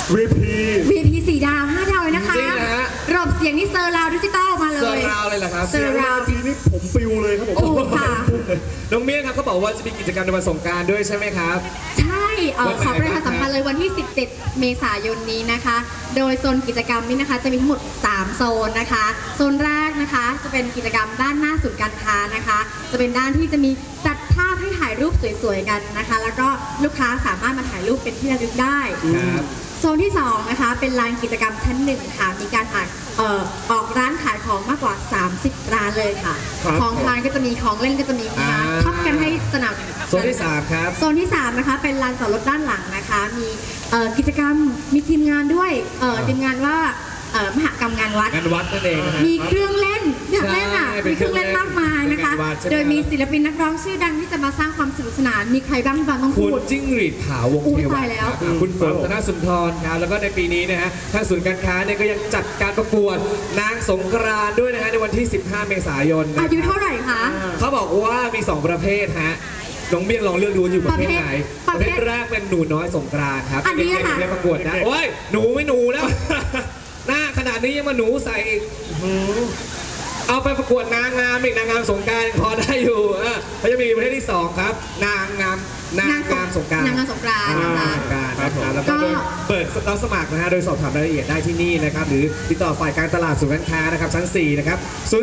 VP 4 ดาว 5 ดาวเลยนะคะจริงนะฮะระบบเสียงนี่เซอร์ราวดิจิตอลมาเลยเซอร์ราวเลยเหรอครับเซอร์ราวทีนี้ผมปิวเลยครับผมถูกค่ะน้องเมี่ยงครับเขาบอกว่าจะมีกิจกรรมในวันสงกรานต์ด้วยใช่ไหมครับใช่ขอประชาสัมพันธ์วันไหนบ้างเลยวันที่ 17 เมษายนนี้นะคะ โดยโซนกิจกรรมนี้นะคะจะมีทั้งหมด 3 โซนนะคะ โซนแรกนะคะจะเป็นกิจกรรมด้านหน้าศูนย์การค้านะคะ จะเป็นด้านที่จะมีจัดภาพให้ถ่ายรูปสวยๆกันนะคะ แล้วก็ลูกค้าสามารถมาถ่ายรูปเป็นที่ระลึกได้ครับโซนที่2นะคะเป็นลานกิจกรรมชั้น1ค่ะมีการออกร้านขายของมากกว่า 30 ร้านเลยค่ะครับของทานก็จะมีของเล่นก็จะมีนะคะท็อปกันให้สนับโซนที่ 3 ครับโซนที่3นะคะเป็นลานจอดรถด้านหลังนะคะมีกิจกรรมมีทีมงานด้วยทีมงานว่ามหกรรมงานวัดงานวัดนั่นเองนะฮะมีเครื่องเล่นอยากเล่นอ่ะใช่เป็นมีเครื่องเล่นมากมายนะคะเป็นงานวัดใช่ไหมโดยมีศิลปินนักร้องชื่อดังที่จะมาสร้างความสนุกสนานมีใครบ้างบางต้องคุพูณดจิ้งหรีดขาววงอุ๊เทยวันตายแล้วครับคุณฝนธนสุนทรครับแล้วก็ในปีนี้นะฮะทางศูนย์การค้าเนี่ยก็ยังจัดการประกวดนางสงกรานต์ด้วยนะฮะในวันที่ 15 เมษายนนะอายุเท่าไหร่คะเขาบอกว่ามี 2 ประเภทฮะน้องเบี้ยลองเลือกดูอยู่ประเภทไหนประเภทแรกเป็นหนูน้อยสงกรานต์ครับอันนี้เด็กค่ะๆเรียนประกวดนะโอ้ยหนูไม่หนูแล้ว หน้าขนาดนี้ยังมาหนูใส่อีกเอาไปประกวดนางงามอีกนางงามสงกรานต์พอได้อยู่เขาจะมีประเภทที่ 2 ครับ นางงามสงกรานต์นางงามสงกรานต์นะคะสงกรานต์นะครับแล้วก็โดยเปิดรับสมัครนะฮะโดยสอบถามรายละเอียดได้ที่นี่นะครับหรือติดต่อฝ่ายการตลาดศูนย์การค้านะครับชั้น 4 นะครับ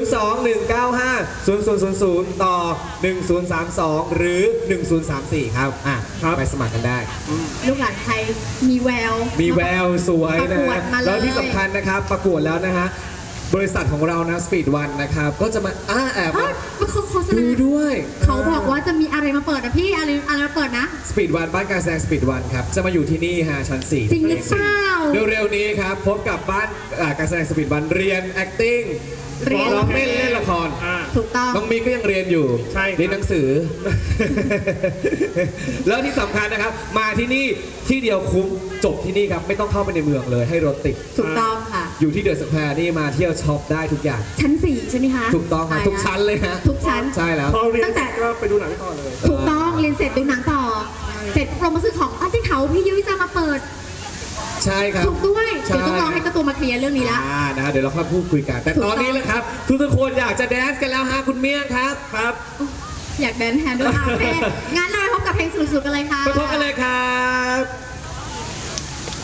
021950000 ต่อ 1032 หรือ 1034 ครับไปสมัครกันได้ลูกหลานไทยมีแววมีแววสวยนะประกวฮะดมาเลยแล้วที่สำคัญนะครับประกวดแล้วนะฮะบริษัทของเรานะ Speed One นะครับก็จะมาแอบเอ้ยมันโฆษดูณาด้วยเขาบอกว่าจะมีอะไรมาเปิดนะพี่อะไรมาเปิดนะ Speed One บ้านการแสดง Speed One ครับจะมาอยู่ที่นี่ฮะชั้น 4 จริงหรือเปล่าเร็วๆนี้ครับพบกับบ้านการแสดง Speed One เรียน acting เรียนร้องเล่นเล่นละครถูกต้องน้องมิกก็ยังเรียนอยู่ใช่ครับเรียนหนังสือ แล้วที่สำคัญนะครับ มาที่นี่ที่เดียวคุ้มจบที่นี่ครับ ไม่ต้องเข้าไปในเมืองเลยให้รถติดถูกต้องค่ะอยู่ที่เดอะสแควร์นี่มาเที่ยวช็อปได้ทุกอย่างชั้น 4 ใช่ไหมคะถูกต้องครับใทุกชั้นเลยฮะทุกชั้นใช่แล้วพอเรียนตั้งแต่ก็ไปดูหนังต่อเลยถูกต้องเรียนเสร็จดูหนังต่อ เสร็จเรามาซื้อของที่เขาพี่ยุ้ยจะมาเปิดใช่ครับถูกด้วยใช่เดี๋ยวต้องรอให้เจ้าตัวมาเคลียร์เรื่องนี้ละนะฮะเดี๋ยวเราค่อยพูดคุยกัน แต่ถูกตต้ออน งนี้แหละครับ ทุกคนอยากจะแดนซ์กันแล้วฮะคุณเมี่ยงครับครับอยากแดนแทนด้วยโอเคงั้นเราไปพบกับเพลงสนุกๆกันเลยค่ะไปพบกันเลยครับ